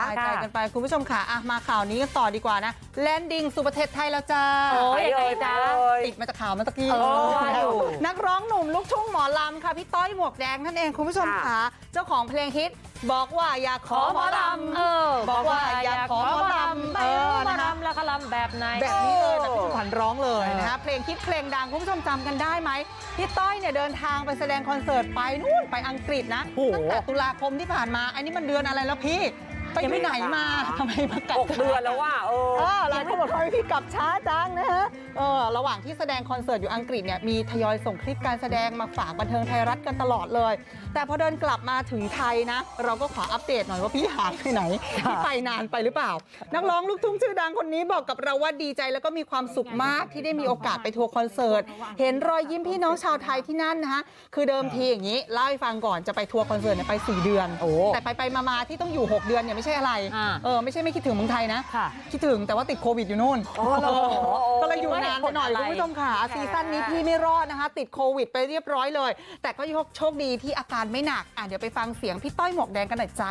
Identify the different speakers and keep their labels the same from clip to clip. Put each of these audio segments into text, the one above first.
Speaker 1: บายใจกันไปคุณผู้ชมค่ะมาข่าวนี้กันต่อดีกว่านะแลนดิ้งสู่ประเทศไทยแล้วจ้า
Speaker 2: โอ้ยยังไงจ้า
Speaker 1: ติดมาจากข่าวเมื่อกี้
Speaker 2: ว่าอยู่
Speaker 1: นักร้องหนุ่มลูกทุ่งหมอลำค่ะพี่ต้อยหมวกแดงนั่นเองคุณผู้ชมค่ะเจ้าของเพลงฮิตบอกว่าอยากขอหมอลำบอกว่าอยากขอหมอลำ
Speaker 2: ไม่รู้หมอลำแล้วก็ลำแบบไหน
Speaker 1: แบบนี้เลยแบบที่คุณขวัญร้องเลยนะคะเพลงฮิตเพลงดังคุณผู้ชมจำกันได้ไหมพี่ต้อยเนี่ยเดินทางไปแสดงคอนเสิร์ตไปนู่นไปอังกฤษนะตั้งแต่ตุลาคมที่ผ่านมาอันนี้มันเดือนอะไรแล้วพี่ไปที่ไหนมาทำไมมากลับ
Speaker 2: 6 เดือนแล้วว่า
Speaker 1: หลายคนบอกทำไมพี่กลับช้าจังนะฮะระหว่างที่แสดงคอนเสิร์ตอยู่อังกฤษเนี่ยมีทยอยส่งคลิปการแสดงมาฝากบันเทิงไทยรัฐกันตลอดเลยแต่พอเดินกลับมาถึงไทยนะเราก็ขออัปเดตหน่อยว่าพี่หายไปไหนพี่ไปนานไปหรือเปล่านักร้องลูกทุ่งชื่อดังคนนี้บอกกับเราว่าดีใจแล้วก็มีความสุขมากที่ได้มีโอกาสไปทัวร์คอนเสิร์ตเห็นรอยยิ้มพี่น้องชาวไทยที่นั่นนะคะคือเดิมทีอย่างนี้เล่าให้ฟังก่อนจะไปทัวร์คอนเสิร์ตเนี่ยไป4 เดือนแต่ไปมาที่ต้องอยู่6 เดือนเนี่ยไม่ใช่อะไรไม่ใช่ไม่คิดถึงเมืองไทยนะคิดถึงแต่ว่าติดโควิดอยู่นู่นก็เลยอยู่นานไปหน่อยคุณผู้ชมค่ะซีซั่นนี้พี่ไม่รอดนะคะติดโควิดไปเรียบร้อยเลยแต่ก็โชคดีที่อาการไม่หนักเดี๋ยวไปฟังเสียงพี่ต้อยหมวกแดงกันหน่อยจ้า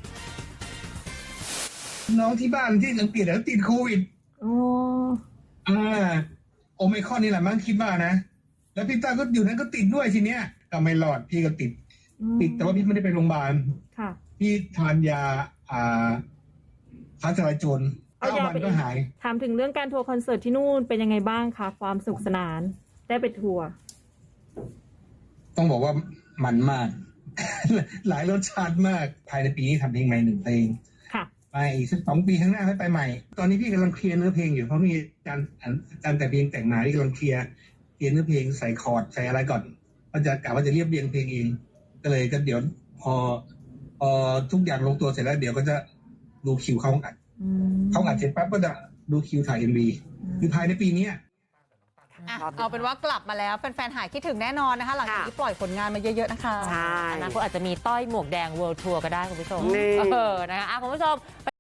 Speaker 3: น้องที่บ้านที่อังกฤษแล้วติดโควิดโอไมครอนนี่แหละมั้งคิดว่านะแล้วพี่ต้าก็อยู่นั้นก็ติดด้วยทีเนี้ยก็ไม่รอดพี่ก็ติดแต่ว่าพี่ไม่ได้ไปโรงพยาบาลพี่ทานยาฟ้าทลายโจร9 วันก็หาย
Speaker 4: ถามถึงเรื่องการทัวร์คอนเสิร์ตที่นู่นเป็นยังไงบ้างคะความสนุกสนานได้ไปทัวร์
Speaker 3: ต้องบอกว่ามันมาก หลายรสชาติมากภายในปีนี้ทำเพลงใหม่1 เพลงไปอีกสัก2 ปีข้างหน้าให้ไปใหม่ตอนนี้พี่กำลังเคลียร์เนื้อเพลงอยู่เพราะมีการแต่งเพลงแต่งมาที่กำลังเคลียร์เนื้อเพลงใส่คอร์ดใส่อะไรก่อนก็จะกะว่าจะเรียบเรียงเพลงเองก็เดี๋ยวพอทุกอย่างลงตัวเสร็จแล้วเดี๋ยวก็จะดูคิวเข้าห้องอัดเสร็จปั๊บก็จะดูคิวถ่าย MV คือภายในปีนี้
Speaker 1: เอาเป็นว่ากลับมาแล้วแฟนๆหายคิดถึงแน่นอนนะคะหลังจากที่ปล่อยผลงานมาเยอะๆนะคะ
Speaker 2: ใช่อนาคตอาจจะมีต้อยหมวกแดง World Tour ก็ได้คุณผู้ชมนะคะคุณผู้ชม